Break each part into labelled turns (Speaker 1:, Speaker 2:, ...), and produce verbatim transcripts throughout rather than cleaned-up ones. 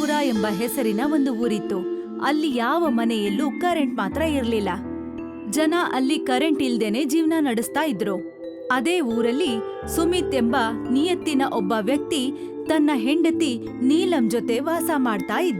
Speaker 1: ಮಥುರಾ ಎಂಬ ಹೆಸರಿನ ಒಂದು ಊರಿತ್ತು. ಅಲ್ಲಿ ಯಾವ ಮನೆಯಲ್ಲೂ ಕರೆಂಟ್ ಮಾತ್ರ ಇರ್ಲಿಲ್ಲ. ಜನ ಅಲ್ಲಿ ಕರೆಂಟ್ ಇಲ್ದೇನೆ ಜೀವನ ನಡೆಸ್ತಾ ಇದ್ರು. ಅದೇ ಊರಲ್ಲಿ ಸುಮಿತ್ ಎಂಬ ನಿಯತ್ತಿನ ಒಬ್ಬ ವ್ಯಕ್ತಿ ತನ್ನ ಹೆಂಡತಿ ನೀಲಂ ಜೊತೆ ವಾಸ ಮಾಡ್ತಾ ಇದ್ದ.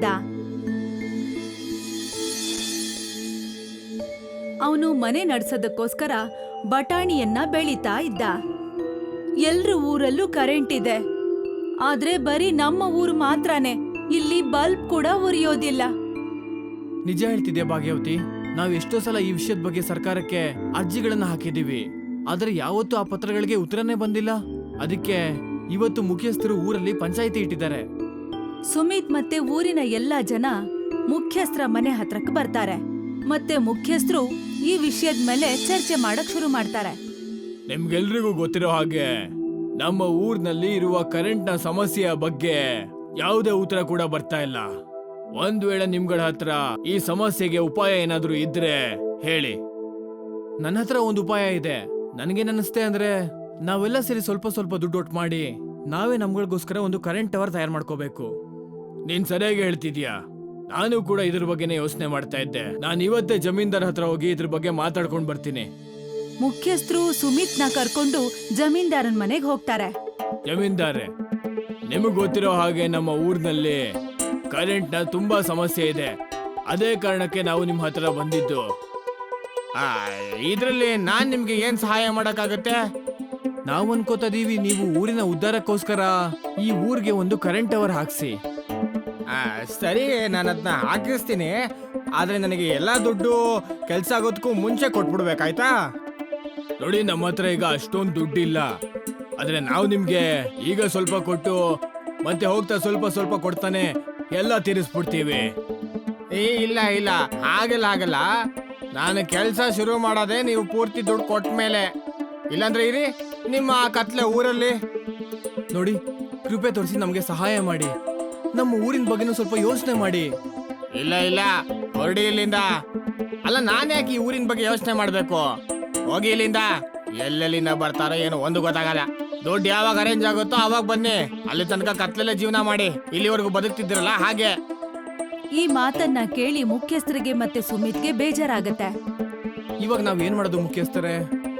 Speaker 1: ಅವನು ಮನೆ ನಡ್ಸೋದಕ್ಕೋಸ್ಕರ ಬಟಾಣಿಯನ್ನ ಬೆಳೀತಾ ಇದ್ದ. ಎಲ್ರ ಊರಲ್ಲೂ ಕರೆಂಟ್ ಇದೆ, ಆದ್ರೆ ಬರೀ ನಮ್ಮ ಊರು ಮಾತ್ರನೇ ಇಲ್ಲಿ ಬಲ್ಬ್ ಕೂಡ ಉರಿಯೋದಿಲ್ಲ.
Speaker 2: ನಿಜ ಹೇಳ್ತಿದ್ಯಾ ಭಾಗ್ಯವತಿ, ನಾವ್ ಎಷ್ಟೋ ಸಲ ಈ ವಿಷಯದ ಬಗ್ಗೆ ಸರ್ಕಾರಕ್ಕೆ ಅರ್ಜಿಗಳನ್ನ ಹಾಕಿದೀವಿ, ಆದ್ರೆ ಯಾವತ್ತೂ ಆ ಪತ್ರಗಳಿಗೆ ಉತ್ತರನೇ ಬಂದಿಲ್ಲ. ಅದಕ್ಕೆ ಇವತ್ತು ಮುಖ್ಯಸ್ಥರು ಊರಲ್ಲಿ ಪಂಚಾಯಿತಿ ಇಟ್ಟಿದ್ದಾರೆ.
Speaker 1: ಸುಮಿತ್ ಮತ್ತೆ ಊರಿನ ಎಲ್ಲಾ ಜನ ಮುಖ್ಯಸ್ಥರ ಮನೆ ಹತ್ರಕ್ಕೆ ಬರ್ತಾರೆ. ಮತ್ತೆ ಮುಖ್ಯಸ್ಥರು ಈ ವಿಷಯದ ಮೇಲೆ ಚರ್ಚೆ ಮಾಡಕ್ ಶುರು ಮಾಡ್ತಾರೆ.
Speaker 2: ನಿಮ್ಗೆಲ್ರಿಗೂ ಗೊತ್ತಿರೋ ಹಾಗೆ ನಮ್ಮ ಊರ್ನಲ್ಲಿ ಇರುವ ಕರೆಂಟ್ ನ ಸಮಸ್ಯೆಯ ಬಗ್ಗೆ ಯಾವುದೇ ಉತ್ತರ ಕೂಡ ಬರ್ತಾ ಇಲ್ಲ. ಒಂದ್ ವೇಳೆ ನಿಮ್ಗಳ ಹತ್ರ ಈ ಸಮಸ್ಯೆಗೆ ಉಪಾಯ ಏನಾದ್ರೂ ಇದ್ರೆ ಹೇಳಿ. ನನ್ನ ಹತ್ರ ಒಂದು ಉಪಾಯ ಇದೆ. ನನಗೇನನ್ನಿಸ್ತೆ ಅಂದ್ರೆ ನಾವೆಲ್ಲ ಸೇರಿ ಸ್ವಲ್ಪ ಸ್ವಲ್ಪ ದುಡ್ಡು ಒಟ್ಟು ಮಾಡಿ ನಾವೇ ನಮ್ಗಳಿಗೋಸ್ಕರ ಒಂದು ಕರೆಂಟ್ ಟವರ್ ತಯಾರು ಮಾಡ್ಕೋಬೇಕು. ನೀನ್ ಸರಿಯಾಗಿ ಹೇಳ್ತಿದ್ಯಾ, ನಾನು ಕೂಡ ಇದ್ರ ಬಗ್ಗೆನೇ ಯೋಚನೆ ಮಾಡ್ತಾ ಇದ್ದೆ. ನಾನು ಇವತ್ತೇ ಜಮೀನ್ದಾರ್ ಹತ್ರ ಹೋಗಿ ಇದ್ರ ಬಗ್ಗೆ ಮಾತಾಡ್ಕೊಂಡ್ ಬರ್ತೀನಿ.
Speaker 1: ಮುಖ್ಯಸ್ಥರು ಸುಮಿತ್ನ ಕರ್ಕೊಂಡು ಜಮೀನ್ದಾರನ್ ಮನೆಗೆ ಹೋಗ್ತಾರೆ.
Speaker 2: ಜಮೀನ್ದಾರೆ, ನಿಮಗ್ ಗೊತ್ತಿರೋ ಹಾಗೆ ನಮ್ಮ ಊರಿನಲ್ಲಿ ಕರೆಂಟ್ ನ ತುಂಬಾ ಸಮಸ್ಯೆ ಇದೆ. ಅದೇ ಕಾರಣಕ್ಕೆ ನಾವು ನಿಮ್ ಹತ್ರ ಬಂದಿದ್ದು. ಇದ್ರಲ್ಲಿ ನಾನ್ ನಿಮ್ಗೆ ಏನ್ ಸಹಾಯ ಮಾಡಕ್ಕಾಗತ್ತೆ? ನಾವು ಅನ್ಕೋತಿದೀವಿ ನೀವು ಊರಿನ ಉದ್ಧಾರಕ್ಕೋಸ್ಕರ ಈ ಊರಿಗೆ ಒಂದು ಕರೆಂಟ್ ಟವರ್ ಹಾಕ್ಸಿ.
Speaker 3: ಸರಿ, ನಾನು ಅದನ್ನ ಹಾಕಿಸ್ತೀನಿ. ಆದ್ರೆ ನನಗೆ ಎಲ್ಲಾ ದುಡ್ಡು ಕೆಲ್ಸ ಆಗೋದಕ್ಕೂ ಮುಂಚೆ ಕೊಟ್ಬಿಡ್ಬೇಕಾಯ್ತಾ?
Speaker 2: ನೋಡಿ, ನಮ್ಮ ಹತ್ರ ಈಗ ಅಷ್ಟೊಂದು ದುಡ್ಡಿಲ್ಲ. ಆದ್ರೆ ನಾವು ನಿಮ್ಗೆ ಈಗ ಸ್ವಲ್ಪ ಕೊಟ್ಟು ಮತ್ತೆ ಹೋಗ್ತಾ ಸ್ವಲ್ಪ ಸ್ವಲ್ಪ ಕೊಡ್ತಾನೆ ಎಲ್ಲ ತೀರಿಸ್ಬಿಡ್ತೀವಿ.
Speaker 3: ಏ ಇಲ್ಲ ಇಲ್ಲ, ಹಾಗೆಲ್ಲ ಆಗಲ್ಲ. ನಾನು ಕೆಲಸ ಶುರು ಮಾಡೋದೇ ನೀವು ಪೂರ್ತಿ ದುಡ್ಡು ಕೊಟ್ಟ ಮೇಲೆ. ಇಲ್ಲಾಂದ್ರೆ ಇರಿ ನಿಮ್ಮ ಕತ್ಲೆ ಊರಲ್ಲಿ.
Speaker 2: ನೋಡಿ, ಕೃಪೆ ತೋರಿಸಿ ನಮ್ಗೆ ಸಹಾಯ ಮಾಡಿ. ನಮ್ಮ ಊರಿನ ಬಗ್ಗೆನೂ ಸ್ವಲ್ಪ ಯೋಚನೆ ಮಾಡಿ.
Speaker 3: ಇಲ್ಲ ಇಲ್ಲ, ಹೊರಡಿ ಇಲ್ಲಿಂದ. ಅಲ್ಲ, ನಾನು ಯಾಕೆ ಈ ಊರಿನ ಬಗ್ಗೆ ಯೋಚನೆ ಮಾಡ್ಬೇಕು? ಹೋಗಿ ಇಲ್ಲಿಂದ. ಎಲ್ಲೆಲ್ಲಿಂದ ಬರ್ತಾರೋ ಏನೋ ಒಂದು ಗೊತ್ತಾಗಲ್ಲ. ದುಡ್ಡು ಯಾವಾಗ ಅರೇಂಜ್ ಆಗುತ್ತೋ ಅವಾಗ ಬನ್ನಿ. ಅಲ್ಲಿ ತನಕ ಕತ್ಲೆಲ್ಲ ಜೀವನ ಮಾಡಿ ಇಲ್ಲಿವರೆಗೂ ಬದುಕ್ತಿದ್ರಲ್ಲ ಹಾಗೆ.
Speaker 1: ಈ ಮಾತನ್ನ ಕೇಳಿ ಮುಖ್ಯಸ್ಥರಿಗೆ ಮತ್ತೆ ಸುಮಿತ್ಗೆ ಬೇಜಾರಾಗತ್ತೆ.
Speaker 2: ಇವಾಗ ನಾವ್ ಏನ್ ಮಾಡೋದು ಮುಖ್ಯಸ್ಥರೇ?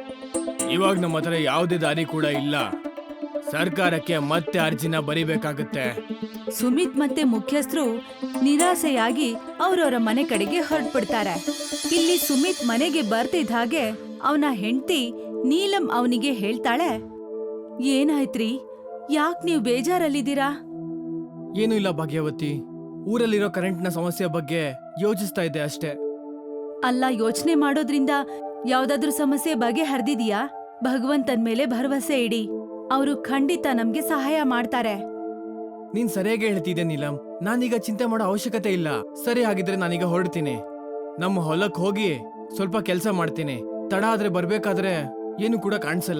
Speaker 2: ಇವಾಗ ನಮ್ಮ ಹತ್ರ ಯಾವುದೇ ದಾರಿ ಕೂಡ ಇಲ್ಲ. ಸರ್ಕಾರಕ್ಕೆ ಮತ್ತೆ ಅರ್ಜಿನ ಬರಿಬೇಕಾಗತ್ತೆ.
Speaker 1: ಸುಮಿತ್ ಮತ್ತೆ ಮುಖ್ಯಸ್ಥರು ನಿರಾಸೆಯಾಗಿ ಅವ್ರವ್ರ ಮನೆ ಕಡೆಗೆ ಹೊರಟ್ಬಿಡ್ತಾರೆ. ಇಲ್ಲಿ ಸುಮಿತ್ ಮನೆಗೆ ಬರ್ತಿದ್ದ ಹಾಗೆ ಅವನ ಹೆಂಡತಿ ನೀಲಂ ಅವನಿಗೆ ಹೇಳ್ತಾಳೆ, ಏನಾಯ್ತ್ರಿ, ಯಾಕ್ ನೀವ್ ಬೇಜಾರಲ್ಲಿದ್ದೀರಾ?
Speaker 2: ಏನು ಇಲ್ಲ ಭಾಗ್ಯವತಿ, ಊರಲ್ಲಿರೋ ಕರೆಂಟ್ ನ ಸಮಸ್ಯೆ ಬಗ್ಗೆ ಯೋಚಿಸ್ತಾ ಇದ್ದೆ ಅಷ್ಟೇ.
Speaker 1: ಅಲ್ಲ, ಯೋಚನೆ ಮಾಡೋದ್ರಿಂದ ಯಾವ್ದಾದ್ರೂ ಸಮಸ್ಯೆ ಬಗ್ಗೆ ಹರಿದಿದ್ಯಾ? ಭಗವಂತನ್ ಮೇಲೆ ಭರವಸೆ ಇಡಿ, ಅವರು ಖಂಡಿತ ನಮ್ಗೆ ಸಹಾಯ ಮಾಡ್ತಾರೆ.
Speaker 2: ನೀನ್ ಸರಿಯಾಗಿ ಹೇಳ್ತಿದ್ದೆ ನೀಲಂ, ನಾನೀಗ ಚಿಂತೆ ಮಾಡೋ ಅವಶ್ಯಕತೆ ಇಲ್ಲ. ಸರಿ, ಹಾಗಿದ್ರೆ ನಾನೀಗ ಹೊರಡ್ತೀನಿ. ನಮ್ಮ ಹೊಲಕ್ ಹೋಗಿ ಸ್ವಲ್ಪ ಕೆಲ್ಸ ಮಾಡ್ತೀನಿ. ತಡ ಆದ್ರೆ ಬರ್ಬೇಕಾದ್ರೆ ಏನು ಕೂಡ ಕಾಣಿಸಲ್ಲ.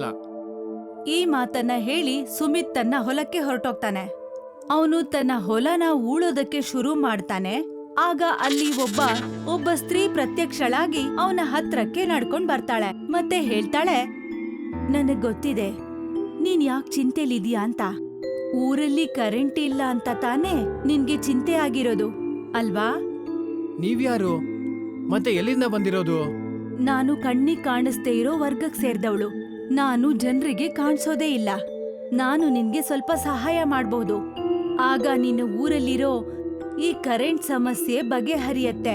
Speaker 1: ಈ ಮಾತನ್ನ ಹೇಳಿ ಸುಮಿತ್ ತನ್ನ ಹೊಲಕ್ಕೆ ಹೊರಟೋಗ್ತಾನೆ. ಅವನು ತನ್ನ ಹೊಲನ ಊಳೋದಕ್ಕೆ ಶುರು ಮಾಡ್ತಾನೆ. ಆಗ ಅಲ್ಲಿ ಒಬ್ಬ ಒಬ್ಬ ಸ್ತ್ರೀ ಪ್ರತ್ಯಕ್ಷಳಾಗಿ ಅವನ ಹತ್ರಕ್ಕೆ ನಡ್ಕೊಂಡ್ ಬರ್ತಾಳೆ. ಮತ್ತೆ ಹೇಳ್ತಾಳೆ, ನನಗ್ ಗೊತ್ತಿದೆ ನೀನ್ ಯಾಕ್ ಚಿಂತೆಲಿದ್ಯಾ ಅಂತ. ಊರಲ್ಲಿ ಕರೆಂಟ್ ಇಲ್ಲ ಅಂತ ತಾನೇ ನಿನ್ಗೆ ಚಿಂತೆ ಆಗಿರೋದು ಅಲ್ವಾ?
Speaker 2: ನೀವ್ಯಾರು ಮತ್ತೆ ಎಲ್ಲಿಂದ ಬಂದಿರೋದು?
Speaker 1: ನಾನು ಕಣ್ಣಿಗೆ ಕಾಣಿಸ್ದೇ ಇರೋ ವರ್ಗಕ್ ಸೇರ್ದವಳು. ನಾನು ಜನರಿಗೆ ಕಾಣಿಸೋದೇ ಇಲ್ಲ. ನಾನು ನಿನ್ಗೆ ಸ್ವಲ್ಪ ಸಹಾಯ ಮಾಡ್ಬಹುದು. ಆಗ ನಿನ್ನ ಊರಲ್ಲಿರೋ ಈ ಕರೆಂಟ್ ಸಮಸ್ಯೆ ಬಗೆಹರಿಯತ್ತೆ.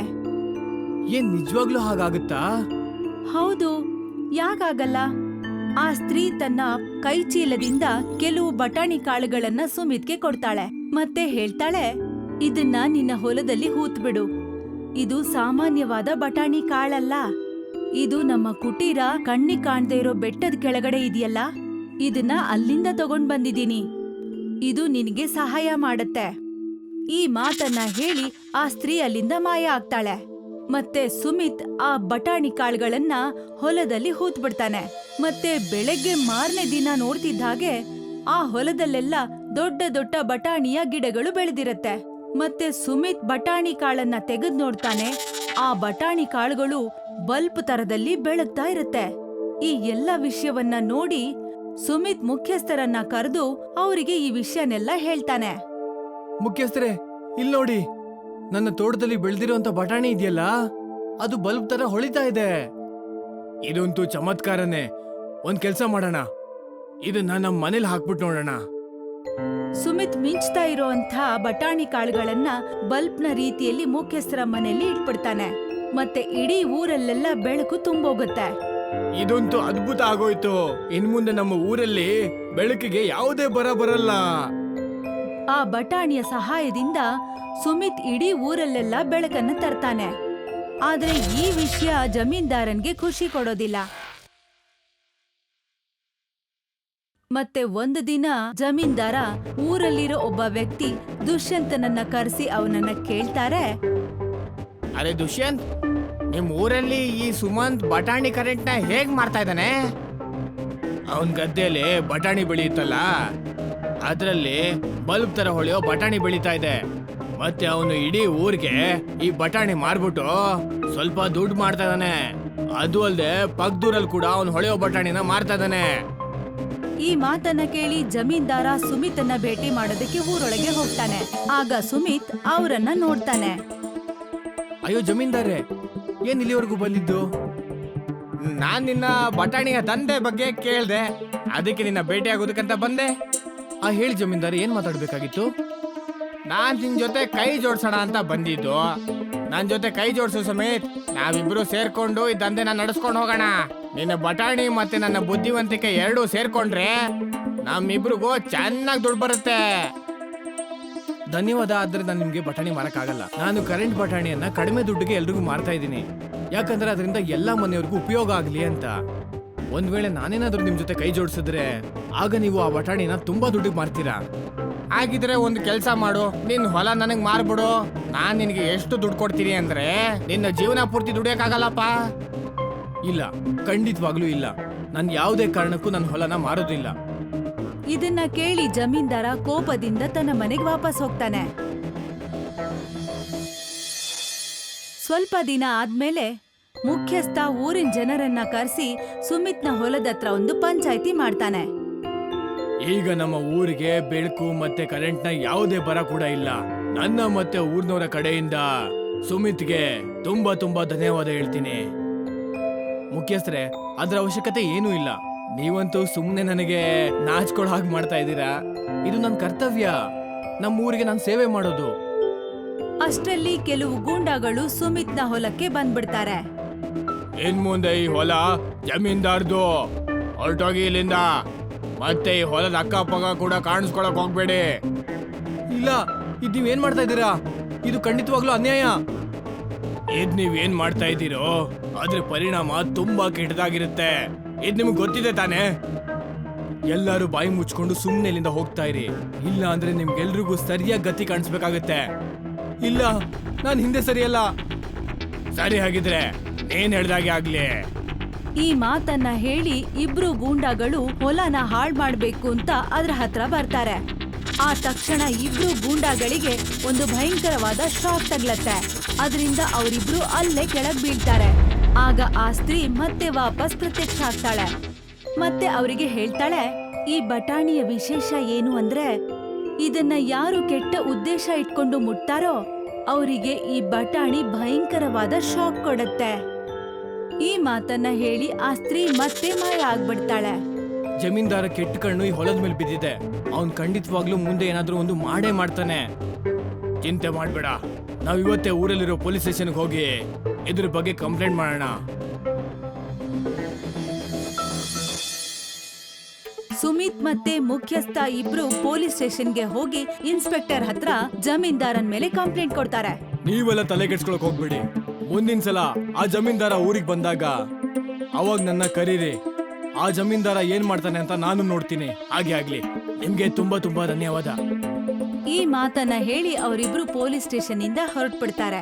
Speaker 2: ಏನ್ ನಿಜವಾಗ್ಲೂ ಹಾಗಾಗುತ್ತಾ?
Speaker 1: ಹೌದು, ಯಾಕಾಗಲ್ಲ? ಆ ಸ್ತ್ರೀ ತನ್ನ ಕೈ ಚೀಲದಿಂದ ಕೆಲವು ಬಟಾಣಿ ಕಾಳುಗಳನ್ನ ಸುಮಿತ್ಗೆ ಕೊಡ್ತಾಳೆ. ಮತ್ತೆ ಹೇಳ್ತಾಳೆ, ಇದನ್ನ ನಿನ್ನ ಹೊಲದಲ್ಲಿ ಹೂತ್ಬಿಡು. ಇದು ಸಾಮಾನ್ಯವಾದ ಬಟಾಣಿ ಕಾಳಲ್ಲ. ಇದು ನಮ್ಮ ಕುಟೀರ ಕಣ್ಣಿಗೆ ಕಾಣ್ದೇ ಇರೋ ಬೆಟ್ಟದ ಕೆಳಗಡೆ ಇದೆಯಲ್ಲ, ಇದನ್ನ ಅಲ್ಲಿಂದ ತಗೊಂಡ್ ಬಂದಿದ್ದೀನಿ. ಇದು ನಿನಗೆ ಸಹಾಯ ಮಾಡತ್ತೆ. ಈ ಮಾತನ್ನ ಹೇಳಿ ಆ ಸ್ತ್ರೀ ಅಲ್ಲಿಂದ ಮಾಯ ಆಗ್ತಾಳೆ. ಮತ್ತೆ ಸುಮಿತ್ ಆ ಬಟಾಣಿ ಕಾಳುಗಳನ್ನ ಹೊಲದಲ್ಲಿ ಹೂತ್ ಬಿಡ್ತಾನೆ. ಮತ್ತೆ ಬೆಳಗ್ಗೆ ಮಾರನೇ ದಿನ ನೋಡ್ತಿದ್ದ ಹಾಗೆ ಆ ಹೊಲದಲ್ಲೆಲ್ಲ ದೊಡ್ಡ ದೊಡ್ಡ ಬಟಾಣಿಯ ಗಿಡಗಳು ಬೆಳೆದಿರತ್ತೆ. ಮತ್ತೆ ಸುಮಿತ್ ಬಟಾಣಿ ಕಾಳನ್ನ ತೆಗೆದ್ ನೋಡ್ತಾನೆ. ಆ ಬಟಾಣಿ ಕಾಳುಗಳು ಬಲ್ಪ್ ತರದಲ್ಲಿ ಬೆಳಗ್ತಾ ಇರತ್ತೆ. ಈ ಎಲ್ಲ ವಿಷಯವನ್ನ ನೋಡಿ ಸುಮಿತ್ ಮುಖ್ಯಸ್ಥರನ್ನ ಕರೆದು ಅವರಿಗೆ ಈ ವಿಷಯನೆಲ್ಲ ಹೇಳ್ತಾನೆ.
Speaker 2: ಮುಖ್ಯಸ್ಥರೇ, ಇಲ್ಲಿ ನೋಡಿ, ನನ್ನ ತೋಟದಲ್ಲಿ ಬೆಳೆದಿರುವಂತ ಬಟಾಣಿ ಇದೆಯಲ್ಲ, ಅದು ಬಲ್ಬ್ ತರ ಹೊಳಿತಾ ಇದೆ. ಇದಂತೂ ಚಮತ್ಕಾರನೇ. ಒಂದ್ ಕೆಲ್ಸ ಮಾಡೋಣ, ಇದನ್ನ ನಮ್ಮ ಮನೇಲಿ ಹಾಕ್ಬಿಟ್ಟು ನೋಡೋಣ.
Speaker 1: ಸುಮಿತ್ ಮಿಂಚ್ತಾ ಇರೋಂಥ ಬಟಾಣಿ ಕಾಳುಗಳನ್ನ ಬಲ್ಬ್ನ ರೀತಿಯಲ್ಲಿ ಮುಖ್ಯಸ್ಥರ ಮನೆಯಲ್ಲಿ ಇಟ್ಬಿಡ್ತಾನೆ. ಮತ್ತೆ ಇಡೀ ಊರಲ್ಲೆಲ್ಲ ಬೆಳಕು ತುಂಬೋಗುತ್ತೆ.
Speaker 2: ಇದಂತೂ ಅದ್ಭುತ ಆಗೋಯ್ತು. ಇನ್ ಮುಂದೆ ನಮ್ಮ ಊರಲ್ಲಿ ಬೆಳಕಿಗೆ ಯಾವುದೇ ಬರ ಬರಲ್ಲ.
Speaker 1: ಆ ಬಟಾಣಿಯ ಸಹಾಯದಿಂದ ಸುಮಿತ್ ಇಡೀ ಊರಲ್ಲೆಲ್ಲ ಬೆಳಕನ್ನ ತರ್ತಾನೆ. ಆದ್ರೆ ಈ ವಿಷಯ ಜಮೀನ್ದಾರನ್ಗೆ ಖುಷಿ ಕೊಡೋದಿಲ್ಲ. ಮತ್ತೆ ಒಂದು ದಿನ ಜಮೀನ್ದಾರ ಊರಲ್ಲಿರೋ ಒಬ್ಬ ವ್ಯಕ್ತಿ ದುಷ್ಯಂತನನ್ನ ಕರೆಸಿ ಅವನನ್ನ ಕೇಳ್ತಾರೆ,
Speaker 3: ಅರೆ ದುಷ್ಯಂತ್, ನಿಮ್ ಊರಲ್ಲಿ ಈ ಸುಮಂತ್ ಬಟಾಣಿ ಕರೆಂಟ್ ನ ಹೇಗ್ ಮಾಡ್ತಾ ಇದ್ದಾನೆ?
Speaker 2: ಅವನ್ ಗದ್ದೆಯಲ್ಲಿ ಬಟಾಣಿ ಬೆಳೆಯುತ್ತಲ್ಲ, ಅದ್ರಲ್ಲಿ ಬಲ್ಬ್ ತರ ಹೊಳೆಯೋ ಬಟಾಣಿ ಬೆಳೀತಾ ಇದೆ. ಮತ್ತೆ ಅವನು ಇಡೀ ಊರಿಗೆ ಈ ಬಟಾಣಿ ಮಾರ್ಬಿಟ್ಟು ಸ್ವಲ್ಪ ದುಡ್ಡು ಮಾಡ್ತಾ ಇದ್ದಾನೆ. ಅದು ಅಲ್ಲದೆ ಪಕ್ಕದೂರಲ್ಲಿ ಕೂಡ ಅವನು ಹೊಳೆಯೋ ಬಟಾಣಿನ ಮಾರ್ತಾ ಇದ್ದಾನೆ.
Speaker 1: ಈ ಮಾತನ್ನ ಕೇಳಿ ಜಮೀನ್ದಾರ ಸುಮಿತನ್ನ ಭೇಟಿ ಮಾಡೋದಕ್ಕೆ ಊರೊಳಗೆ ಹೋಗ್ತಾನೆ. ಆಗ ಸುಮಿತ್ ಅವರನ್ನ ನೋಡ್ತಾನೆ.
Speaker 2: ಅಯ್ಯೋ ಜಮೀನ್ದಾರೆ, ಏನ್ ಇಲ್ಲಿವರೆಗೂ ಬಂದಿದ್ದು?
Speaker 3: ನಾನ್ ನಿನ್ನ ಬಟಾಣಿಯ ದಂಧೆ ಬಗ್ಗೆ ಕೇಳ್ದೆ, ಅದಕ್ಕೆ ನಿನ್ನ ಭೇಟಿ ಆಗೋದಕ್ಕಂತ ಬಂದೆ.
Speaker 2: ಆ ಹೇಳಿ ಜಮೀನ್ದಾರೆ, ಏನ್ ಮಾತಾಡ್ಬೇಕಾಗಿತ್ತು?
Speaker 3: ನಾನ್ ನಿನ್ ಜೊತೆ ಕೈ ಜೋಡ್ಸೋಣ ಅಂತ ಬಂದಿದ್ದು. ನನ್ ಜೊತೆ ಕೈ ಜೋಡ್ಸು ಸಮೇತ್, ನಾವಿಬ್ರು ಸೇರ್ಕೊಂಡು ಈ ದಂಧೆನ ನಡೆಸ್ಕೊಂಡು ಹೋಗೋಣ. ನಿನ್ನ ಬಟಾಣಿ ಮತ್ತೆ ನನ್ನ ಬುದ್ಧಿವಂತಿಕೆ ಎರಡೂ ಸೇರ್ಕೊಂಡ್ರೆ ನಮ್ಮಿಬ್ರಿಗೂ ಚೆನ್ನಾಗಿ ದುಡ್ಡು ಬರುತ್ತೆ.
Speaker 2: ಧನ್ಯವಾದ. ಆದ್ರೆ ನಾನು ನಿಮ್ಗೆ ಬಟಾಣಿ ಮಾರಕ್ಕಾಗಲ್ಲ. ನಾನು ಕರೆಂಟ್ ಬಟಾಣಿಯನ್ನ ಕಡಿಮೆ ದುಡ್ಡಿಗೆ ಎಲ್ರಿಗೂ ಮಾರ್ತಾ ಇದ್ದೀನಿ. ಯಾಕಂದ್ರೆ ಅದರಿಂದ ಎಲ್ಲಾ ಮನೆಯವ್ರಿಗೂ ಉಪಯೋಗ ಆಗ್ಲಿ ಅಂತ. ಒಂದ್ ವೇಳೆ ನಾನೇನಾದ್ರೂ ನಿಮ್ ಜೊತೆ ಕೈ ಜೋಡಿಸಿದ್ರೆ ಆಗ ನೀವು ಆ ಬಟಾಣಿನ ತುಂಬಾ ದುಡ್ಡಿಗೆ ಮಾರ್ತೀರಾ.
Speaker 3: ಹಾಗಿದ್ರೆ ಒಂದು ಕೆಲಸ ಮಾಡು, ನಿನ್ ಹೊಲ ನನಗ್ ಮಾರ್ಬಿಡು. ನಾನ್ ನಿನ್ಗೆ ಎಷ್ಟು ದುಡ್ಡು ಕೊಡ್ತೀನಿ ಅಂದ್ರೆ ನಿನ್ನ ಜೀವನ ಪೂರ್ತಿ ದುಡಿಯಕ್ಕಾಗಲ್ಲಪ್ಪ.
Speaker 2: ಇಲ್ಲ, ಖಂಡಿತವಾಗ್ಲೂ ಇಲ್ಲ. ನಾನು ಯಾವುದೇ ಕಾರಣಕ್ಕೂ ನನ್ನ ಹೊಲನ ಮಾರೋದಿಲ್ಲ.
Speaker 1: ಇದನ್ನ ಕೇಳಿ ಜಮೀನ್ದಾರ ಕೋಪದಿಂದ ತನ್ನ ಮನೆಗೆ ವಾಪಸ್ ಹೋಗ್ತಾನೆ. ಸ್ವಲ್ಪ ದಿನ ಆದ್ಮೇಲೆ ಮುಖ್ಯಸ್ಥ ಊರಿನ ಜನರನ್ನ ಕರೆಸಿ ಸುಮಿತ್ನ ಹೊಲದತ್ರ ಒಂದು ಪಂಚಾಯ್ತಿ ಮಾಡ್ತಾನೆ.
Speaker 2: ಈಗ ನಮ್ಮ ಊರಿಗೆ ಬೆಳಕು ಮತ್ತೆ ಕರೆಂಟ್ನ ಯಾವುದೇ ಬರ ಕೂಡ ಇಲ್ಲ. ನನ್ನ ಮತ್ತೆ ಊರ್ನವರ ಕಡೆಯಿಂದ ಸುಮಿತ್ಗೆ ತುಂಬಾ ತುಂಬಾ ಧನ್ಯವಾದ ಹೇಳ್ತೀನಿ. ಮುಖ್ಯಸ್ಥರೇ, ಅದ್ರ ಅವಶ್ಯಕತೆ ಏನೂ ಇಲ್ಲ. ನೀವಂತೂ ಸುಮ್ಮನೆ ನನಗೆ ನಾಚ್ಕೊಳ್ಳೋ ಹಾಗೆ ಮಾಡ್ತಾ ಇದ್ದೀರಾ. ಇದು ನನ್ನ ಕರ್ತವ್ಯ, ನಮ್ಮ ಊರಿಗೆ ನಾನು ಸೇವೆ ಮಾಡೋದು.
Speaker 1: ಅಷ್ಟರಲ್ಲಿ ಕೆಲವು ಗೂಂಡಾಗಳು ಸುಮಿತ್ನ ಹೊಲಕ್ಕೆ ಬಂದ್ಬಿಡ್ತಾರೆ.
Speaker 2: ಇನ್ ಮುಂದೆ ಈ ಹೊಲ ಜಮೀನ್ದಾರ್ದು, ಹೊರಟೋಗಿ ಇಲ್ಲಿಂದ. ಮತ್ತೆ ಈ ಹೊಲದ ಅಕ್ಕಪಕ್ಕ ಕೂಡ ಕಾಣಿಸ್ಕೊಳಕ್ ಹೋಗ್ಬೇಡಿ. ಇಲ್ಲ, ಇದ್ ನೀವೇನ್ ಮಾಡ್ತಾ ಇದ್ದೀರಾ? ಇದು ಖಂಡಿತವಾಗ್ಲೂ ಅನ್ಯಾಯ. ಇದ್ ನೀವೇನ್ ಮಾಡ್ತಾ ಇದ್ದೀರೋ ಅದ್ರ ಪರಿಣಾಮ ತುಂಬಾ ಕೆಟ್ಟದಾಗಿರುತ್ತೆ. ಇದ್ ನಿಮ್ಗೆ ಗೊತ್ತಿದೆ ತಾನೇ? ಎಲ್ಲರೂ ಬಾಯಿ ಮುಚ್ಕೊಂಡು ಸುಮ್ಮನೆ ಇಲ್ಲಿಂದ ಹೋಗ್ತಾ ಇರಿ. ಇಲ್ಲ ಅಂದ್ರೆ ನಿಮ್ಗೆಲ್ರಿಗೂ ಸರಿಯಾಗಿ ಗತಿ ಕಾಣಿಸ್ಬೇಕಾಗತ್ತೆ. ಇಲ್ಲ, ನಾನು ಹಿಂದೆ ಸರಿಯಲ್ಲ. ಸರಿ, ಹಾಗಿದ್ರೆ ಏನ್ ಹೇಳ್ದಾಗೆ ಆಗ್ಲಿ.
Speaker 1: ಈ ಮಾತನ್ನ ಹೇಳಿ ಇಬ್ರು ಗೂಂಡಾಗಳು ಹೊಲನ ಹಾಳ್ ಮಾಡ್ಬೇಕು ಅಂತ ಅದ್ರ ಹತ್ರ ಬರ್ತಾರೆ. ಆ ತಕ್ಷಣ ಇಬ್ರು ಗೂಂಡಾಗಳಿಗೆ ಒಂದು ಭಯಂಕರವಾದ ಶಾಕ್ ತಗ್ಲತ್ತೆ. ಅದರಿಂದ ಅವರಿಬ್ರು ಅಲ್ಲೇ ಕೆಳಗ್ ಬೀಳ್ತಾರೆ. ಆಗ ಆ ಸ್ತ್ರೀ ಮತ್ತೆ ವಾಪಸ್ ಪ್ರತ್ಯಕ್ಷ ಆಗ್ತಾಳೆ. ಮತ್ತೆ ಅವರಿಗೆ ಹೇಳ್ತಾಳೆ, ಈ ಬಟಾಣಿಯ ವಿಶೇಷ ಏನು ಅಂದ್ರೆ ಇದನ್ನ ಯಾರು ಕೆಟ್ಟ ಉದ್ದೇಶ ಇಟ್ಕೊಂಡು ಮುಟ್ತಾರೋ ಅವರಿಗೆ ಈ ಬಟಾಣಿ ಭಯಂಕರವಾದ ಶಾಕ್ ಕೊಡುತ್ತೆ. ಈ ಮಾತನ್ನ ಹೇಳಿ ಆ ಸ್ತ್ರೀ ಮತ್ತೆ ಮಾಯ ಆಗ್ಬಿಡ್ತಾಳೆ.
Speaker 2: ಜಮೀನ್ದಾರ ಕೆಟ್ಟ ಕಣ್ಣು ಈ ಹೊಲದ ಮೇಲೆ ಬಿದ್ದಿದೆ. ಅವನ್ ಖಂಡಿತವಾಗ್ಲೂ ಮುಂದೆ ಏನಾದ್ರೂ ಒಂದು ಮಾಡೇ ಮಾಡ್ತಾನೆ. ಚಿಂತೆ ಮಾಡ್ಬೇಡ, ನಾವ್ ಇವತ್ತೇ ಊರಲ್ಲಿರೋ ಪೊಲೀಸ್ ಸ್ಟೇಷನ್ಗೆ ಹೋಗಿ ಇದ್ರ ಬಗ್ಗೆ ಕಂಪ್ಲೇಂಟ್ ಮಾಡೋಣ.
Speaker 1: ಸುಮಿತ್ ಮತ್ತೆ ಮುಖ್ಯಸ್ಥ ಇಬ್ರು ಪೊಲೀಸ್ ಸ್ಟೇಷನ್ಗೆ ಹೋಗಿ ಇನ್ಸ್ಪೆಕ್ಟರ್ ಹತ್ರ ಜಮೀನ್ದಾರನ್ ಮೇಲೆ ಕಂಪ್ಲೇಂಟ್ ಕೊಡ್ತಾರೆ.
Speaker 2: ನೀವೆಲ್ಲ ತಲೆ ಕೆಡ್ಸ್ಕೊಳಕ್ ಹೋಗ್ಬೇಡಿ. ಮುಂದಿನ ಸಲ ಆ ಜಮೀನ್ದಾರ ಊರಿಗೆ ಬಂದಾಗ ಅವಾಗ ನನ್ನ ಕರೀರಿ. ಆ ಜಮೀನ್ದಾರ ಏನ್ ಮಾಡ್ತಾನೆ ಅಂತ ನಾನು ನೋಡ್ತೀನಿ. ಹಾಗೆ ಆಗ್ಲಿ. ನಿಮ್ಗೆ ತುಂಬಾ ತುಂಬಾ ಧನ್ಯವಾದ.
Speaker 1: ಈ ಮಾತನ್ನ ಹೇಳಿ ಅವರಿಬ್ರು ಪೊಲೀಸ್ ಸ್ಟೇಷನ್ ಇಂದ ಹೊರಟ್ಬಿಡ್ತಾರೆ.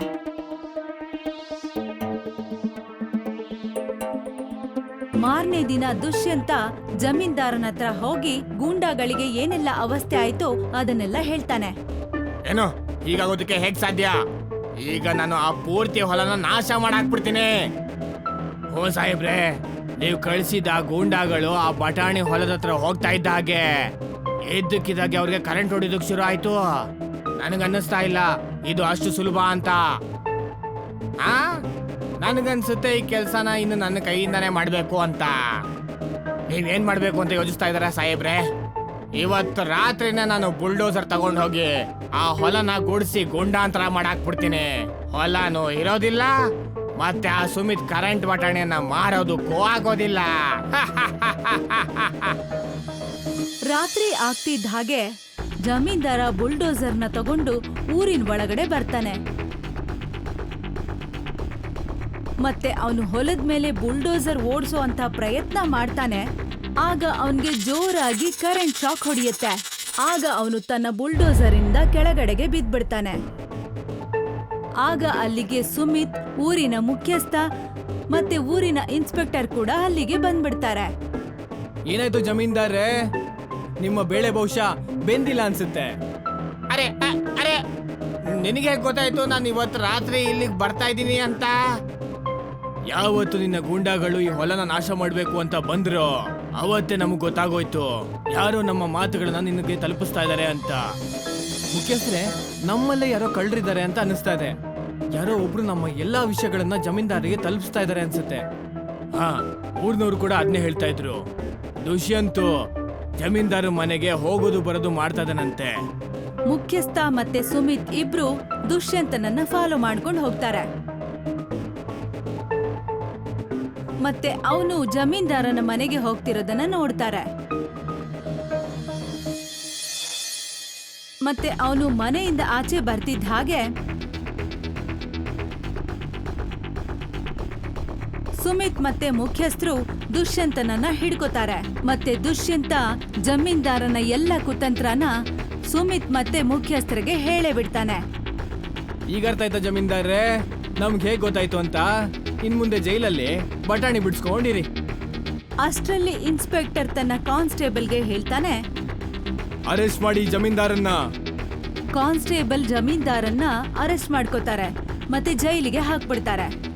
Speaker 1: ಮಾರನೇ ದಿನ ದುಷ್ಯಂತ ಜಮೀನ್ದಾರನ ಹತ್ರ ಹೋಗಿ ಗೂಂಡಾಗಳಿಗೆ ಏನೆಲ್ಲ ಅವಸ್ಥೆ ಆಯ್ತೋ ಅದನ್ನೆಲ್ಲ ಹೇಳ್ತಾನೆ.
Speaker 3: ಏನು ಹೀಗಾಗೋದಕ್ಕೆ ಹೇಗ್ ಸಾಧ್ಯ? ಈಗ ನಾನು ಆ ಪೂರ್ತಿ ಹೊಲನ ನಾಶ ಮಾಡಾಕ್ಬಿಡ್ತೀನಿ.
Speaker 2: ಓ ಸಾಹೇಬ್ರೆ, ನೀವು ಕಳಿಸಿದ ಗೂಂಡಾಗಳು ಆ ಬಟಾಣಿ ಹೊಲದ ಹತ್ರ ಹೋಗ್ತಾ ಇದ್ದ ಹಾಗೆ ಇದ್ದಕ್ಕಿದ್ದಾಗೆ ಅವ್ರಿಗೆ ಕರೆಂಟ್ ಹೊಡಿದಕ್ ಶುರು ಆಯ್ತು.
Speaker 3: ನನಗನ್ನಿಸ್ತಾ ಇಲ್ಲ ಇದು ಅಷ್ಟು ಸುಲಭ ಅಂತ. ಆ ನನಗನ್ಸುತ್ತೆ ಈ ಕೆಲ್ಸನ ಇನ್ನು ನನ್ನ ಕೈಯಿಂದಾನೇ ಮಾಡ್ಬೇಕು ಅಂತ. ನೀವೇನ್ ಮಾಡ್ಬೇಕು ಅಂತ ಯೋಚಿಸ್ತಾ ಇದಾರ ಸಾಹೇಬ್ರೆ? ಇವತ್ತು ರಾತ್ರಿನೇ ನಾನು ಬುಲ್ಡೋಸರ್ ತಗೊಂಡ್ ಹೋಗಿ ಆ ಹೊಲನ ಗುಡಿಸಿ ಗುಂಡಾಂತರ ಮಾಡಾಕ್ಬಿಡ್ತೀನಿ. ಹೊಲನೂ ಇರೋದಿಲ್ಲ, ಮತ್ತೆ ಆ ಸುಮಿತ್ ಕರೆಂಟ್ ಬಟಾಣಿಯನ್ನ ಮಾರೋದಕ್ಕೂ ಆಗೋದಿಲ್ಲ.
Speaker 1: ರಾತ್ರಿ ಆಗ್ತಿದ್ದ ಹಾಗೆ ಜಮೀನ್ದಾರ ಬುಲ್ಡೋಸರ್ನ ತಗೊಂಡು ಊರಿನ ಒಳಗಡೆ ಬರ್ತಾನೆ. ಮತ್ತೆ ಅವನು ಹೊಲದ ಮೇಲೆ ಬುಲ್ಡೋಸರ್ ಓಡಿಸೋ ಅಂತ ಪ್ರಯತ್ನ ಮಾಡ್ತಾನೆ. ಆಗ ಅವನ್ಗೆ ಜೋರಾಗಿ ಕರೆಂಟ್ ಶಾಕ್ ಹೊಡೆಯುತ್ತೆ. ಆಗ ಅವನು ತನ್ನ ಬುಲ್ಡೋಸರ್ ಇಂದ ಕೆಳಗಡೆಗೆ ಬಿದ್ದ್ಬಿಡ್ತಾನೆ. ಆಗ ಅಲ್ಲಿಗೆ ಸುಮಿತ್, ಊರಿನ ಮುಖ್ಯಸ್ಥ ಮತ್ತೆ ಊರಿನ ಇನ್ಸ್ಪೆಕ್ಟರ್ ಕೂಡ ಅಲ್ಲಿಗೆ ಬಂದ್ಬಿಡ್ತಾರೆ.
Speaker 2: ಏನಾಯ್ತು ಜಮೀನ್ದಾರೆ? ನಿಮ್ಮ ಬೇಳೆ ಬಹುಶಃ ಬೆಂದಿಲ್ಲ ಅನ್ಸುತ್ತೆ.
Speaker 3: ಅರೆ ಅ- ಅರೆ ನಿನಗೆ ಗೊತ್ತಾಯ್ತು ನಾನು ಇವತ್ತು ರಾತ್ರಿ ಇಲ್ಲಿಗೆ ಬರ್ತಾ ಇದ್ದೀನಿ ಅಂತ?
Speaker 2: ಯಾವತ್ತು ನಿನ್ನ ಗೂಂಡಾಗಳು ಈ ಹೊಲನ ನಾಶ ಮಾಡ್ಬೇಕು ಅಂತ ಬಂದ್ರು ಅವತ್ತೇ ನಮಗ್ ಗೊತ್ತಾಗೋಯ್ತು ಯಾರೋ ನಮ್ಮ ಮಾತುಗಳನ್ನ ನಿನಗೆ ತಲುಪಿಸ್ತಾ ಇದಾರೆ ಅಂತ. ಮುಖ್ಯಸ್ಥರೇ, ನಮ್ಮಲ್ಲೇ ಯಾರೋ ಕಳ್ಳರಿದ್ದಾರೆ ಅಂತ ಅನಿಸ್ತಾ ಇದೆ. ಯಾರೋ ಒಬ್ರು ನಮ್ಮ ಎಲ್ಲಾ ವಿಷಯಗಳನ್ನ ಜಮೀನ್ದಾರಿಗೆ ತಲುಪಿಸ್ತಾ ಇದಾರೆ ಅನ್ಸುತ್ತೆ. ಹಾ, ಊರ್ನವ್ರು ಕೂಡ ಅದನ್ನೇ ಹೇಳ್ತಾ ಇದ್ರು. ದುಷ್ಯಂತು ಜಮೀನ್ದಾರ ಮನೆಗೆ ಹೋಗೋದು ಬರೋದು ಮಾಡ್ತಾ ಇದ್ದಾನಂತೆ.
Speaker 1: ಮುಖ್ಯಸ್ಥ ಮತ್ತೆ ಸುಮಿತ್ ಇಬ್ರು ದುಷ್ಯಂತನನ್ನ ಫಾಲೋ ಮಾಡ್ಕೊಂಡು ಹೋಗ್ತಾರೆ. ಮತ್ತೆ ಅವನು ಜಮೀನ್ದಾರನ ಮನೆಗೆ ಹೋಗ್ತಿರೋದನ್ನ ನೋಡ್ತಾರೆ. ಮತ್ತೆ ಅವನು ಮನೆಯಿಂದ ಆಚೆ ಬರ್ತಿದ್ದ ಹಾಗೆ ಸುಮಿತ್ ಮತ್ತೆ ಮುಖ್ಯಸ್ಥರು ದುಷ್ಯಂತನನ್ನ ಹಿಡ್ಕೋತಾರೆ. ಮತ್ತೆ ದುಷ್ಯಂತ ಜಮೀನ್ದಾರನ ಎಲ್ಲ ಕುತಂತ್ರನ ಸುಮಿತ್ ಮತ್ತೆ ಮುಖ್ಯಸ್ಥರಿಗೆ ಹೇಳೇ ಬಿಡ್ತಾನೆ.
Speaker 2: ಈಗ ಅರ್ಥ ಆಯ್ತಾ ಜಮೀನ್ದಾರ್ರೆ ನಮ್ಗೆ ಹೇಗ್ ಗೊತ್ತಾಯ್ತು ಅಂತ? ಇನ್ ಮುಂದೆ ಜೈಲಲ್ಲಿ ಬಟಾಣಿ ಬಿಡ್ಸ್ಕೊಂಡಿರಿ.
Speaker 1: ಅಷ್ಟ್ರಲ್ಲಿ ಇನ್ಸ್ಪೆಕ್ಟರ್ ತನ್ನ ಕಾನ್ಸ್ಟೇಬಲ್ಗೆ ಹೇಳ್ತಾನೆ,
Speaker 2: ಅರೆಸ್ಟ್ ಮಾಡಿ ಜಮೀನ್ದಾರನ್ನ.
Speaker 1: ಕಾನ್ಸ್ಟೇಬಲ್ ಜಮೀನ್ದಾರನ್ನ ಅರೆಸ್ಟ್ ಮಾಡ್ಕೋತಾರೆ ಮತ್ತೆ ಜೈಲಿಗೆ ಹಾಕ್ಬಿಡ್ತಾರೆ.